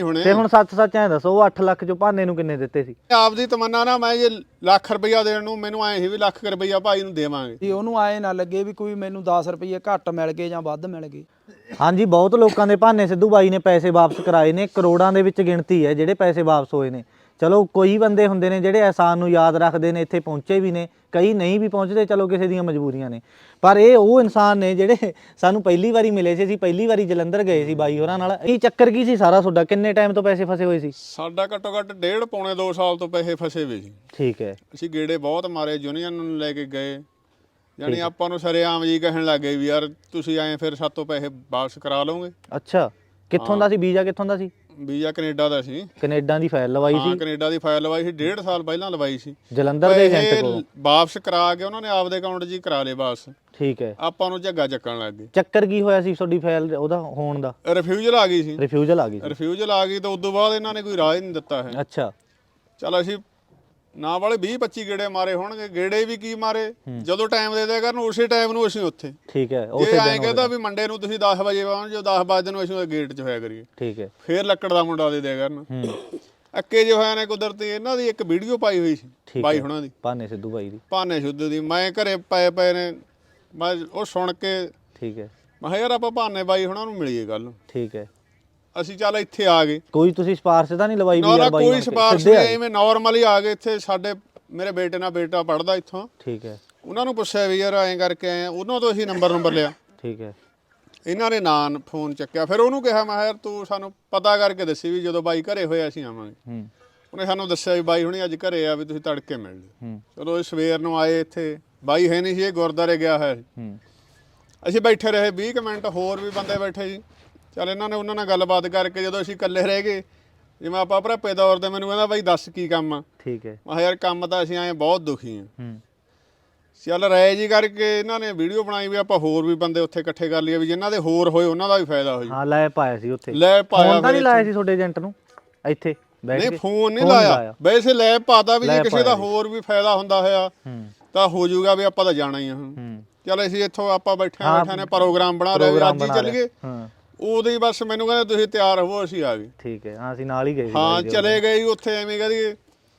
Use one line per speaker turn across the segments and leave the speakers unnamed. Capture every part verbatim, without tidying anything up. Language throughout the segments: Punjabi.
ਤੇ ਹੁਣ ਸੱਚ ਸੱਚ ਐ ਦੱਸੋ ਉਹ ਅੱਠ ਲੱਖ ਚੋਂ ਭਾਨੇ ਨੂੰ ਕਿੰਨੇ ਦਿੱਤੇ ਸੀ?
ਆਪਦੀ ਤਮੰਨਾ ਨਾ ਮੈਂ ਜੇ ਲੱਖ ਰੁਪਈਆ ਦੇਣ ਨੂੰ ਮੈਨੂੰ ਐਂ ਸੀ ਵੀ ਲੱਖ ਰੁਪਈਆ ਭਾਈ ਨੂੰ ਦੇਵਾਂਗੇ
ਜੀ ਉਹਨੂੰ ਆਏ ਨਾ ਲੱਗੇ ਵੀ ਕੋਈ ਮੈਨੂੰ ਦਸ ਰੁਪਏ ਘੱਟ ਮਿਲ ਗਏ ਜਾਂ ਵੱਧ ਮਿਲ ਗਏ।
ਹਾਂਜੀ ਬਹੁਤ ਲੋਕਾਂ ਦੇ ਭਾਨੇ ਸਿੱਧੂ ਬਾਈ ਨੇ ਪੈਸੇ ਵਾਪਸ ਕਰਾਏ ਨੇ, ਕਰੋੜਾਂ ਦੇ ਵਿੱਚ ਗਿਣਤੀ ਹੈ ਜਿਹੜੇ ਪੈਸੇ ਵਾਪਸ ਹੋਏ ਨੇ। ਚਲੋ ਕੋਈ ਬੰਦੇ ਹੁੰਦੇ ਨੇ ਜਿਹੜੇ ਅਹਿਸਾਨ ਨੂੰ ਯਾਦ ਰੱਖਦੇ ਨੇ, ਇੱਥੇ ਪਹੁੰਚੇ ਵੀ ਨੇ, ਕਈ ਨਹੀਂ ਵੀ ਪਹੁੰਚਦੇ, ਚਲੋ ਕਿਸੇ ਦੀਆਂ ਮਜਬੂਰੀਆਂ ਨੇ। ਪਰ ਇਹ ਉਹ ਇਨਸਾਨ ਨੇ ਜਿਹੜੇ ਸਾਨੂੰ ਪਹਿਲੀ ਵਾਰੀ ਮਿਲੇ ਸੀ। ਅਸੀਂ ਪਹਿਲੀ ਵਾਰੀ ਜਲੰਧਰ ਗਏ ਸੀ ਬਾਈ ਹੋਰਾਂ ਨਾਲ। ਇਹ ਚੱਕਰ ਕੀ ਸੀ ਸਾਰਾ ਤੁਹਾਡਾ? ਕਿੰਨੇ ਟਾਈਮ ਤੋਂ ਪੈਸੇ ਫਸੇ ਹੋਏ ਸੀ?
ਸਾਡਾ ਘੱਟੋ ਘੱਟ ਡੇਢ ਪੌਣੇ ਦੋ ਸਾਲ ਤੋਂ ਪੈਸੇ ਫਸੇ ਹੋਏ ਸੀ।
ਠੀਕ ਹੈ।
ਅਸੀਂ ਗੇੜੇ ਬਹੁਤ ਮਾਰੇ, ਯੂਨੀਅਨ ਨੂੰ ਲੈ ਕੇ ਗਏ, ਯਾਨੀ ਆਪਾਂ ਨੂੰ ਸਰੇਆਮ ਜੀ ਕਹਿਣ ਲੱਗ ਗਏ ਵੀ ਯਾਰ ਤੁਸੀਂ ਐਂ ਫਿਰ ਸਾਤੋਂ ਪੈਸੇ ਵਾਪਸ ਕਰਾ ਲਓਗੇ।
ਅੱਛਾ, ਕਿੱਥੋਂ ਦਾ ਸੀ ਵੀਜ਼ਾ? ਕਿੱਥੋਂ ਦਾ ਸੀ
ਵੀਜ਼ਾ? ਕੈਨੇਡਾ ਦਾ ਸੀ।
ਕੈਨੇਡਾ ਦੀ ਫਾਈਲ ਲਵਾਈ ਸੀ?
ਹਾਂ ਕੈਨੇਡਾ ਦੀ ਫਾਈਲ ਲਵਾਈ ਸੀ, ਡੇਢ ਸਾਲ ਪਹਿਲਾਂ ਲਵਾਈ ਸੀ।
ਜਲੰਧਰ ਦੇ ਏਜੰਟ ਕੋਲ
ਵਾਪਸ ਕਰਾ ਕੇ ਉਹਨਾਂ ਨੇ ਆਪਦੇ ਅਕਾਊਂਟ 'ਚ ਹੀ ਕਰਾ ਲਏ ਵਾਪਸ।
ਠੀਕ ਹੈ।
ਆਪਾਂ ਨੂੰ ਝੱਗਾ ਚੱਕਣ ਲੱਗ ਗਏ।
ਚੱਕਰ ਕੀ ਹੋਇਆ ਸੀ ਤੁਹਾਡੀ ਫਾਈਲ ਉਹਦਾ ਹੋਣ ਦਾ?
ਰਿਫਿਊਜ਼ਲ ਆ ਗਈ ਸੀ।
ਰਿਫਿਊਜ਼ਲ ਆ ਗਈ ਸੀ?
ਰਿਫਿਊਜ਼ਲ ਆ ਗਈ ਤਾਂ ਉਦੋਂ ਬਾਅਦ ਇਹਨਾਂ ਨੇ ਕੋਈ ਰਾਹ ਹੀ ਨਹੀਂ ਦਿੱਤਾ ਹੈ।
ਅੱਛਾ।
ਚਲ ਅਸੀਂ ਨਾ ਵਾਲੇ ਵੀਹ ਪੱਚੀ ਗੇੜੇ ਮਾਰੇ ਹੋਣਗੇ। ਗੇੜੇ ਵੀ ਕੀ ਮਾਰੇ, ਜਦੋਂ ਟਾਈਮ ਦੇ ਦਿਆ ਕਰਨ ਉਸੇ ਟਾਈਮ ਨੂੰ ਅਸੀਂ ਉੱਥੇ।
ਠੀਕ ਹੈ।
ਜੇ ਐਂ ਕਹਿੰਦਾ ਵੀ ਮੰਡੇ ਨੂੰ ਤੁਸੀਂ ਦਸ ਵਜੇ ਪਹੁੰਚੋ, ਦਸ ਵਜੇ ਨੂੰ ਅਸੀਂ ਗੇਟ 'ਚ ਹੋਇਆ ਕਰੀਏ।
ਠੀਕ ਹੈ।
ਫੇਰ ਲੱਕੜ ਦਾ ਮੁੰਡਾ ਦੇ ਦਿਆ ਕਰਨ। ਅੱਕੇ ਜੋ ਹੋਇਆ ਨੇ ਕੁਦਰਤੀ ਇਹਨਾਂ ਦੀ ਇੱਕ ਵੀਡੀਓ ਪਾਈ ਹੋਈ ਸੀ ਬਾਈ ਹੁਣਾਂ ਦੀ,
ਭਾਨੇ ਸਿੱਧੂ ਬਾਈ ਦੀ,
ਭਾਨੇ ਸਿੱਧੂ ਦੀ। ਮੈਂ ਘਰੇ ਪਏ ਪਏ ਨੇ, ਮੈਂ ਉਹ ਸੁਣ ਕੇ
ਠੀਕ ਹੈ,
ਮੈਂ ਕਿਹਾ ਯਾਰ ਆਪਾਂ ਭਾਨੇ ਬਾਈ ਹੁਣਾਂ ਨੂੰ ਮਿਲੀਏ ਗੱਲ।
ਠੀਕ ਹੈ।
ਅਸੀਂ ਚੱਲ ਇੱਥੇ ਆ ਗਏ।
ਕੋਈ ਤੁਸੀਂ ਸਿਫਾਰਿਸ਼ ਤਾਂ ਨਹੀਂ ਲਵਾਈ?
ਨਾ ਕੋਈ ਸਿਫਾਰਿਸ਼ ਨਹੀਂ, ਐਵੇਂ ਨਾਰਮਲ ਹੀ ਆ ਗਏ ਇੱਥੇ। ਸਾਡੇ ਮੇਰੇ ਬੇਟੇ ਨਾਲ ਬੇਟਾ ਪੜਦਾ ਇੱਥੋਂ।
ਠੀਕ ਹੈ।
ਉਹਨਾਂ ਨੂੰ ਪੁੱਛਿਆ ਵੀ ਯਾਰ ਐਂ ਕਰਕੇ ਆਏ ਆ, ਉਹਨਾਂ ਤੋਂ ਅਸੀਂ ਨੰਬਰ ਨੰਬਰ ਲਿਆ।
ਠੀਕ ਹੈ।
ਇਹਨਾਂ ਨੇ ਨਾਂ ਫੋਨ ਚੱਕਿਆ। ਫਿਰ ਉਹਨੂੰ ਕਿਹਾ ਮੈਂ ਯਾਰ ਤੂੰ ਸਾਨੂੰ ਪਤਾ ਕਰਕੇ ਦੱਸੀ ਵੀ ਜਦੋਂ ਬਾਈ ਘਰੇ ਹੋਇਆ ਅਸੀਂ ਆਵਾਂਗੇ।
ਹੂੰ।
ਉਹਨੇ ਸਾਨੂੰ ਦੱਸਿਆ ਵੀ ਬਾਈ ਹੁਣੀ ਅੱਜ ਘਰੇ ਆ, ਵੀ ਤੁਸੀਂ ਤੜਕੇ ਮਿਲ ਲਿਓ।
ਹੂੰ।
ਚਲੋ ਇਹ ਸਵੇਰ ਨੂੰ ਆਏ, ਇੱਥੇ ਬਾਈ ਹੈ ਨਹੀਂ ਸੀ, ਇਹ ਗੁਰਦੁਆਰੇ ਗਿਆ ਹੋਇਆ ਸੀ।
ਹੂੰ।
ਅਸੀਂ ਬੈਠੇ ਰਹੇ ਵੀਹ ਕੁ ਮਿੰਟ, ਹੋਰ ਵੀ ਬੰਦੇ ਬੈਠੇ ਸੀ। ਚੱਲ ਇਹਨਾਂ ਨੇ ਉਹਨਾਂ ਨਾਲ ਗੱਲਬਾਤ ਕਰਕੇ ਜਦੋਂ ਅਸੀਂ ਇਕੱਲੇ ਰਹਿ ਗਏ, ਜਿਵੇਂ ਆਪਾਂ ਭਰਾਪੇ ਦੌਰ ਦੇ, ਮੈਨੂੰ ਕਹਿੰਦਾ ਬਾਈ ਦੱਸ ਕੀ ਕੰਮ ਆ।
ਠੀਕ ਹੈ।
ਮੈਂ ਕਿਹਾ ਯਾਰ ਕੰਮ ਤਾਂ ਅਸੀਂ ਆਏ ਬਹੁਤ ਦੁਖੀ ਹਾਂ।
ਹੂੰ।
ਚੱਲ ਰਾਏ ਜੀ ਕਰਕੇ ਇਹਨਾਂ ਨੇ ਵੀਡੀਓ ਬਣਾਈ ਵੀ ਆਪਾਂ ਹੋਰ ਵੀ ਬੰਦੇ ਉੱਥੇ ਇਕੱਠੇ ਕਰ ਲਈਏ, ਵੀ ਜਿਨ੍ਹਾਂ ਦੇ ਹੋਰ ਹੋਏ ਉਹਨਾਂ ਦਾ ਵੀ ਫਾਇਦਾ ਹੋ ਜੀ।
ਹਾਂ ਲੈ ਪਾਇਆ ਸੀ ਉੱਥੇ।
ਲੈ ਪਾਇਆ।
ਫੋਨ ਤਾਂ ਨਹੀਂ ਲਾਇਆ ਸੀ ਤੁਹਾਡੇ ਏਜੰਟ ਨੂੰ ਇੱਥੇ ਬੈਠ ਕੇ?
ਨਹੀਂ ਫੋਨ ਨਹੀਂ ਲਾਇਆ, ਵੈਸੇ ਲੈ ਪਾਤਾ ਵੀ ਜੇ ਕਿਸੇ ਦਾ ਹੋਰ ਵੀ ਫਾਇਦਾ ਹੁੰਦਾ ਹੋਇਆ ਤਾਂ ਹੋ ਜਾਊਗਾ ਵੀ ਆਪਾਂ ਤਾਂ ਜਾਣਾ ਹੀ ਆ ਹੁਣ। ਚੱਲ ਅਸੀਂ ਇੱਥੋਂ ਆਪਾਂ ਬੈਠੇ ਬੈਠੇ ਨੇ ਪ੍ਰੋਗਰਾਮ ਬਣਾ ਰਹੇ, ਅੱਜ ਹੀ ਚੱਲ ਗਏ। ਉਦੋਂ ਹੀ ਬਸ ਮੈਨੂੰ ਕਹਿੰਦੇ ਤੁਸੀਂ ਤਿਆਰ ਹੋਵੋ, ਅਸੀਂ ਆ ਗਏ।
ਠੀਕ ਹੈ। ਹਾਂ ਅਸੀਂ ਨਾਲ ਹੀ ਗਏ ਸੀ।
ਹਾਂ ਚਲੇ ਗਏ ਉੱਥੇ। ਐਵੇਂ ਕਹਦੀਏ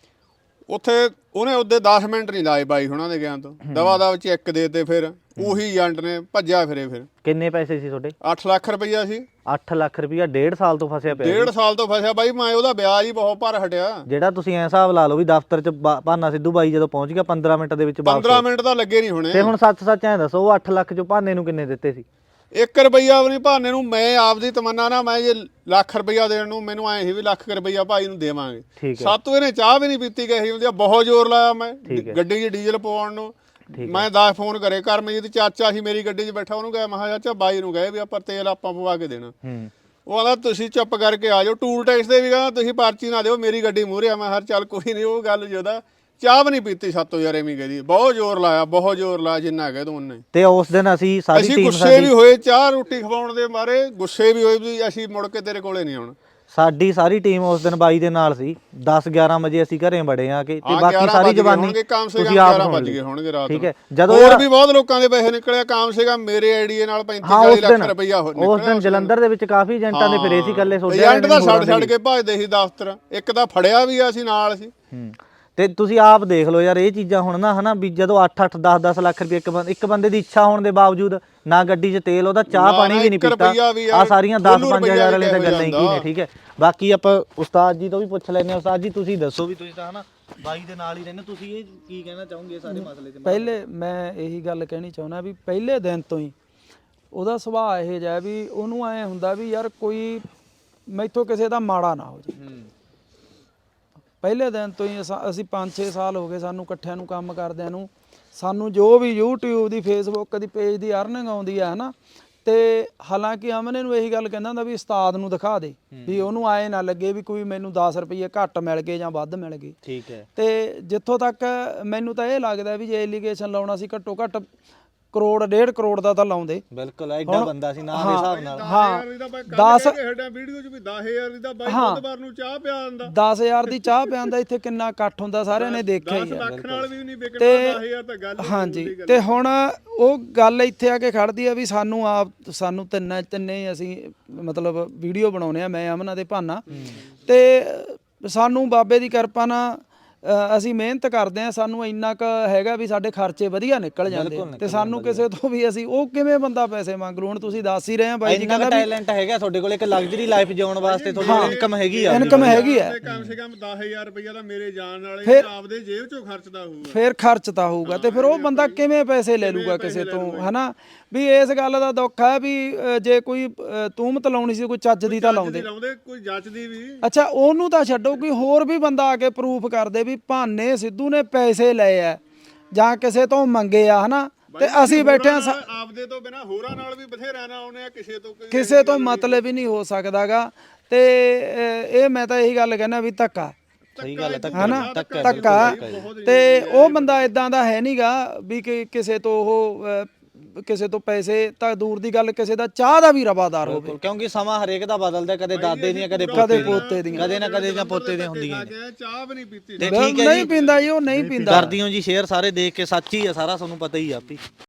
ਉੱਥੇ ਉਹਨੇ ਉਹਦੇ ਦਸ ਮਿੰਟ ਨਹੀਂ ਲਾਏ ਬਾਈ ਹੁਣਾਂ ਦੇ ਗਿਆਨ ਤੋਂ, ਦਵਾ ਦਵ ਚੈੱਕ ਦੇ ਤੇ ਫਿਰ ਉਹੀ ਏਜੰਟ ਨੇ ਭੱਜਿਆ ਫਿਰੇ। ਫਿਰ
ਕਿੰਨੇ ਪੈਸੇ ਸੀ ਤੁਹਾਡੇ?
ਅੱਠ ਲੱਖ ਰੁਪਈਆ ਸੀ।
ਅੱਠ ਲੱਖ ਰੁਪਈਆ ਡੇਢ ਸਾਲ ਤੋਂ ਫਸਿਆ ਪਿਆ?
ਡੇਢ ਸਾਲ ਤੋਂ ਫਸਿਆ ਬਾਈ ਮੈਂ। ਉਹਦਾ ਵਿਆਜ ਹੀ ਬਹੁਤ ਭਰ ਹਟਿਆ। ਜਿਹੜਾ
ਤੁਸੀਂ ਐ ਹਿਸਾਬ ਲਾ ਲਓ ਵੀ ਦਫ਼ਤਰ ਚ ਭਾਨਾ ਸਿੱਧੂ ਬਾਈ ਜਦੋਂ ਪਹੁੰਚ ਗਿਆ ਪੰਦਰਾਂ ਮਿੰਟ ਦੇ ਵਿੱਚ ਵਾਪਸ?
ਪੰਦਰਾਂ ਮਿੰਟ ਤਾਂ ਲੱਗੇ ਨਹੀਂ ਹੋਣੇ।
ਤੇ ਹੁਣ ਸੱਚ ਸੱਚ ਐ ਦੱਸੋ ਉਹ ਅੱਠ ਲੱਖ ਚੋਂ ਭਾਨੇ ਨੂੰ ਕਿੰਨੇ ਦਿੱਤੇ ਸੀ?
ਇੱਕ ਰੁਪਈਆ ਵੀ ਨਹੀਂ ਭਾਨੇ ਨੂੰ। ਮੈਂ ਆਪਦੀ ਤਮੰਨਾ ਨਾ ਮੈਂ ਜੇ ਲੱਖ ਰੁਪਈਆ ਦੇਣ ਨੂੰ ਮੈਨੂੰ ਐਂ ਸੀ ਵੀ ਲੱਖ ਰੁਪਈਆ ਭਾਈ ਨੂੰ ਦੇਵਾਂਗੇ। ਸਾਤੋਂ ਇਹਨੇ ਚਾਹ ਵੀ ਨਹੀਂ ਪੀਤੀ ਗਈ ਹੁੰਦੀ। ਬਹੁਤ ਜ਼ੋਰ ਲਾਇਆ ਮੈਂ ਗੱਡੀ 'ਚ ਡੀਜ਼ਲ ਪਵਾਉਣ ਨੂੰ। ਮੈਂ ਦਸ ਫੋਨ ਕਰੇ ਕਰਮਜੀਤ ਚਾਚਾ ਸੀ ਮੇਰੀ ਗੱਡੀ 'ਚ ਬੈਠਾ, ਉਹਨੂੰ ਕਿਹਾ ਮੈਂ ਕਿਹਾ ਚਾਚਾ ਬਾਈ ਨੂੰ ਕਹੇ ਵੀ ਆਪਾਂ ਤੇਲ ਆਪਾਂ ਪਵਾ ਕੇ ਦੇਣਾ। ਉਹ ਕਹਿੰਦਾ ਤੁਸੀਂ ਚੁੱਪ ਕਰਕੇ ਆ ਜਾਓ। ਟੂਲ ਟੈਕਸ ਦੇ ਵੀ ਕਹਿੰਦਾ ਤੁਸੀਂ ਪਰਚੀ ਨਾ ਦਿਓ, ਮੇਰੀ ਗੱਡੀ ਮੂਹਰੇ ਆ। ਮੈਂ ਹਰ ਚੱਲ ਕੋਈ ਨਹੀਂ। ਉਹ ਗੱਲ ਜਿਹਦਾ ਚਾਹ ਵੀ ਨਹੀਂ ਪੀਤੀ ਸਾਤੋਂ ਯਾਰ, ਐਵੇਂ ਕਹਦੀ। ਬਹੁਤ ਜ਼ੋਰ ਲਾਇਆ, ਬਹੁਤ ਜ਼ੋਰ ਲਾਇਆ ਜਿੰਨਾ ਕਹਿ ਦੋ ਉਹਨੇ।
ਤੇ ਉਸ ਦਿਨ ਅਸੀਂ ਸਾਰੀ
ਅਸੀਂ
ਟੀਮ
ਗੁੱਸੇ ਵੀ ਹੋਏ, ਚਾਹ ਰੋਟੀ ਖਵਾਉਣ ਦੇ ਮਾਰੇ ਗੁੱਸੇ ਵੀ ਹੋਏ ਵੀ ਅਸੀਂ ਮੁੜ ਕੇ ਤੇਰੇ ਕੋਲੇ ਨਹੀਂ ਆਉਣਾ।
ਸਾਡੀ ਸਾਰੀ ਟੀਮ ਉਸ ਦਿਨ ਬਾਈ ਦੇ ਨਾਲ ਸੀ। ਦਸ ਗਿਆਰਾਂ ਵਜੇ ਅਸੀਂ ਘਰੇ ਵੜੇ ਆ ਕੇ ਤੇ ਬਾਕੀ ਸਾਰੀ ਜਵਾਨੀ
ਤੁਸੀਂ ਆਪ ਵੱਜ ਗਏ ਹੋਣਗੇ ਰਾਤ ਨੂੰ।
ਠੀਕ ਹੈ। ਜਦੋਂ
ਹੋਰ ਵੀ ਬਹੁਤ ਲੋਕਾਂ ਦੇ ਪੈਸੇ ਨਿਕਲੇ ਕਾਮ ਸੀਗਾ ਮੇਰੇ ਆਈਡੀਏ ਨਾਲ ਪੈਂਤੀ ਚਾਲੀ ਲੱਖ ਰੁਪਈਆ ਹੋ ਨਿਕਲਿਆ।
ਉਸ ਦਿਨ ਜਲੰਧਰ ਦੇ ਵਿੱਚ ਕਾਫੀ ਏਜੰਟਾਂ ਦੇ ਫਿਰੇ ਸੀ ਇਕੱਲੇ ਸੋਡੇ
ਏਜੰਟ ਦਾ ਛੱਡ ਛੱਡ ਕੇ ਭੱਜਦੇ ਸੀ ਦਫ਼ਤਰ। ਇੱਕ ਤਾਂ ਫੜਿਆ ਵੀ ਆ ਸੀ ਨਾਲ ਸੀ।
ਤੇ ਤੁਸੀਂ ਆਪ ਦੇਖ ਲਓ ਯਾਰ ਇਹ ਚੀਜ਼ਾਂ ਹੁਣ ਨਾ ਹਨਾ ਵੀ ਜਦੋਂ ਅੱਠ ਅੱਠ ਦਸ ਦਸ ਲੱਖ ਰੁਪਏ ਇੱਕ ਬੰਦੇ ਇੱਕ ਬੰਦੇ ਦੀ ਇੱਛਾ ਹੋਣ ਦੇ ਬਾਵਜੂਦ ਨਾ ਗੱਡੀ 'ਚ ਤੇਲ, ਉਹਦਾ ਚਾਹ ਪਾਣੀ ਵੀ ਨਹੀਂ ਪੀਤਾ। ਆ ਸਾਰੀਆਂ ਦਸ ਪੰਜ ਹਜ਼ਾਰ ਵਾਲੇ ਤਾਂ ਗੱਲਾਂ ਹੀ ਕੀ ਨੇ। ਠੀਕ ਹੈ। ਬਾਕੀ ਆਪਾਂ ਉਸਤਾਦ ਜੀ ਤੋਂ ਵੀ ਪੁੱਛ ਲੈਂਦੇ ਹਾਂ। ਉਸਤਾਦ ਜੀ ਤੁਸੀਂ ਦੱਸੋ ਵੀ ਤੁਸੀਂ ਤਾਂ ਹਨਾ ਬਾਈ ਦੇ ਨਾਲ ਹੀ ਰਹਿੰਦੇ, ਤੁਸੀਂ ਇਹ ਕੀ ਕਹਿਣਾ ਚਾਹੋਗੇ ਸਾਰੇ ਮਸਲੇ ਤੇ?
ਪਹਿਲੇ ਮੈਂ ਇਹੀ ਗੱਲ ਕਹਿਣੀ ਚਾਹੁੰਦਾ ਵੀ ਪਹਿਲੇ ਦਿਨ ਤੋਂ ਹੀ ਉਹਦਾ ਸੁਭਾਅ ਇਹ ਜਿਹਾ ਵੀ ਉਹਨੂੰ ਐਂ ਹੁੰਦਾ ਵੀ ਯਾਰ ਕੋਈ ਮੈਥੋਂ ਕਿਸੇ ਦਾ ਮਾੜਾ ਨਾ ਹੋ ਜੇ। ਪਹਿਲੇ ਦਿਨ ਤੋਂ ਹੀ ਅਸੀਂ ਪੰਜ ਛੇ ਸਾਲ ਹੋ ਗਏ ਸਾਨੂੰ ਇਕੱਠਿਆਂ ਨੂੰ ਕੰਮ ਕਰਦਿਆਂ ਨੂੰ। ਸਾਨੂੰ ਜੋ ਵੀ ਯੂਟਿਊਬ ਦੀ ਫੇਸਬੁੱਕ ਦੀ ਪੇਜ ਦੀ ਅਰਨਿੰਗ ਆਉਂਦੀ ਹੈ ਨਾ, ਤੇ ਹਾਲਾਂਕਿ ਅਮਨੇ ਨੂੰ ਇਹੀ ਗੱਲ ਕਹਿੰਦਾ ਹੁੰਦਾ ਵੀ ਉਸਤਾਦ ਨੂੰ ਦਿਖਾ ਦੇ, ਵੀ ਉਹਨੂੰ ਆਏ ਨਾ ਲੱਗੇ ਵੀ ਕੋਈ ਮੈਨੂੰ ਦਸ ਰੁਪਏ ਘੱਟ ਮਿਲ ਗਏ ਜਾਂ ਵੱਧ ਮਿਲ ਗਏ।
ਠੀਕ ਹੈ।
ਤੇ ਜਿੱਥੋਂ ਤੱਕ ਮੈਨੂੰ ਤਾਂ ਇਹ ਲੱਗਦਾ ਵੀ ਜੇ ਐਲੀਗੇਸ਼ਨ ਲਾਉਣਾ ਸੀ ਘੱਟੋ ਘੱਟ ਕਰੋੜ ਡੇਢ ਕਰੋੜ ਦਾ ਤਾਂ ਲਾਉਂਦੇ।
ਬਿਲਕੁਲ ਐਡਾ ਬੰਦਾ ਸੀ ਨਾ ਦੇ ਹਿਸਾਬ ਨਾਲ।
ਹਾਂ
ਦਸ ਹੇਠਾਂ ਵੀਡੀਓ 'ਚ ਵੀ ਦਸ ਹਜ਼ਾਰ ਦੀ ਤਾਂ ਬਾਈ ਬੁੱਧਵਾਰ ਨੂੰ ਚਾਹ ਪਿਆ ਆਂਦਾ,
ਦਸ ਹਜ਼ਾਰ ਦੀ ਚਾਹ ਪਿਆਂਦਾ। ਇੱਥੇ ਕਿੰਨਾ ਇਕੱਠ ਹੁੰਦਾ ਸਾਰਿਆਂ ਨੇ ਦੇਖਿਆ ਹੀ
ਦਸ
ਆ।
ਲੱਖ ਨਾਲ ਵੀ ਨਹੀਂ ਵਿਕਣਾ, ਦਸ ਹਜ਼ਾਰ ਤਾਂ ਗੱਲ ਹੀ
ਹਾਂਜੀ ਤੇ ਹੁਣ ਉਹ ਗੱਲ ਇੱਥੇ ਆ ਕੇ ਖੜਦੀ ਆ ਵੀ ਸਾਨੂੰ ਆਪ ਸਾਨੂੰ ਤਿੰਨ ਤਿੰਨੇ ਅਸੀਂ ਮਤਲਬ ਵੀਡੀਓ ਬਣਾਉਨੇ ਆ, ਮੈਂ ਅਮਨਾ ਦੇ ਭਾਨਾ, ਤੇ ਸਾਨੂੰ ਬਾਬੇ ਦੀ ਕਿਰਪਾ ਨਾਲ ਅਸੀਂ ਮਿਹਨਤ ਕਰਦੇ ਆ, ਸਾਨੂੰ ਇੰਨਾ ਕ ਹੈਗਾ ਵੀ ਸਾਡੇ ਖਰਚੇ ਵਧੀਆ ਨਿਕਲ ਜਾਂਦੇ ਆ ਤੇ ਸਾਨੂੰ ਕਿਸੇ ਤੋਂ ਵੀ ਅਸੀਂ ਉਹ ਕਿਵੇਂ ਬੰਦਾ ਪੈਸੇ ਮੰਗ ਲੂ। ਹੁਣ ਤੁਸੀਂ ਦੱਸ ਹੀ ਰਹੇ ਆ ਬਾਈ ਜੀ
ਕਹਿੰਦਾ ਟੈਲੈਂਟ ਹੈਗਾ ਤੁਹਾਡੇ ਕੋਲ, ਇੱਕ ਲਗਜ਼ਰੀ ਲਾਈਫ ਜਿਉਣ ਵਾਸਤੇ ਤੁਹਾਡੀ ਇਨਕਮ ਹੈਗੀ ਆ,
ਇਨਕਮ ਹੈਗੀ ਆ।
ਕਮ ਸੇ ਕਮ ਦਸ ਹਜ਼ਾਰ ਰੁਪਇਆ ਤਾਂ ਮੇਰੇ ਜਾਣ ਵਾਲੇ ਆਪਦੇ ਜੇਬ ਚੋਂ ਖਰਚਦਾ ਹੋਊਗਾ,
ਫਿਰ ਖਰਚਦਾ ਹੋਊਗਾ ਤੇ ਫਿਰ ਉਹ ਬੰਦਾ ਕਿਵੇਂ ਪੈਸੇ ਲੈ ਲੂਗਾ ਕਿਸੇ ਤੋਂ, ਹਨਾ। ਵੀ ਇਸ ਗੱਲ ਦਾ ਦੁੱਖ ਹੈ ਵੀ ਜੇ ਕੋਈ ਤੂਮਤ ਲਾਉਣੀ ਸੀ ਕੋਈ ਚੱਜ ਦੀ ਤਾਂ ਲਾਉਂਦੇ,
ਕੋਈ ਜੱਜਦੀ ਵੀ।
ਅੱਛਾ ਉਹਨੂੰ ਤਾਂ ਛੱਡੋ, ਕੋਈ ਹੋਰ ਵੀ ਬੰਦਾ ਆ ਕੇ ਪ੍ਰੂਫ ਕਰਦੇ ਵੀ ਭਾਨੇ ਸਿੱਧੂ ਨੇ ਪੈਸੇ ਲਏ ਆ ਜਾਂ ਕਿਸੇ ਤੋਂ ਮੰਗੇ ਆ, ਹਨਾ। ਤੇ ਅਸੀਂ ਬੈਠੇ ਆ
ਆਪਦੇ ਤੋਂ ਬਿਨਾ ਹੋਰਾਂ ਨਾਲ ਵੀ ਬਥੇਰਾ ਨਾ ਆਉਨੇ ਆ, ਕਿਸੇ ਤੋਂ
ਕਿਸੇ ਤੋਂ ਮਤਲਬ ਹੀ ਨਹੀਂ ਹੋ ਸਕਦਾਗਾ। ਤੇ ਇਹ ਮੈਂ ਤਾਂ ਇਹੀ ਗੱਲ ਕਹਿਣਾ ਵੀ ਧੱਕਾ,
ਸਹੀ ਗੱਲ ਹੈ,
ਹਨਾ, ਧੱਕਾ। ਤੇ ਉਹ ਬੰਦਾ ਇਦਾਂ ਦਾ ਹੈ ਨਹੀਂਗਾ ਵੀ ਕਿ ਕਿਸੇ ਤੋਂ ਉਹ ਕਿਸੇ ਤੋਂ ਪੈਸੇ ਤਾਂ ਦੂਰ ਦੀ ਗੱਲ, ਕਿਸੇ ਦਾ ਚਾਹ ਦਾ ਵੀ ਰਵਾਦਾਰ ਹੋਵੇ,
ਕਿਉਂਕਿ ਸਮਾਂ ਹਰੇਕ ਦਾ ਬਦਲਦਾ, ਕਦੇ ਦਾਦੇ ਦੀਆਂ ਕਦੇ
ਪੋਤੇ ਦੀਆਂ,
ਕਦੇ ਨਾ ਕਦੇ ਜਾਂ ਪੋਤੇ ਦੀਆਂ ਹੁੰਦੀਆਂ ਨੇ।
ਚਾਹ ਵੀ ਨਹੀਂ ਪੀਤੀ,
ਤੇ ਠੀਕ ਹੈ
ਨਹੀਂ ਪੀਂਦਾ ਜੀ, ਉਹ ਨਹੀਂ ਪੀਂਦਾ।
ਕਰਦੀ ਹੋ ਜੀ ਸ਼ੇਅਰ ਸਾਰੇ ਦੇਖ ਕੇ, ਸੱਚ ਹੀ ਆ ਸਾਰਾ, ਤੁਹਾਨੂੰ ਪਤਾ ਹੀ ਆ ਆਪੀ।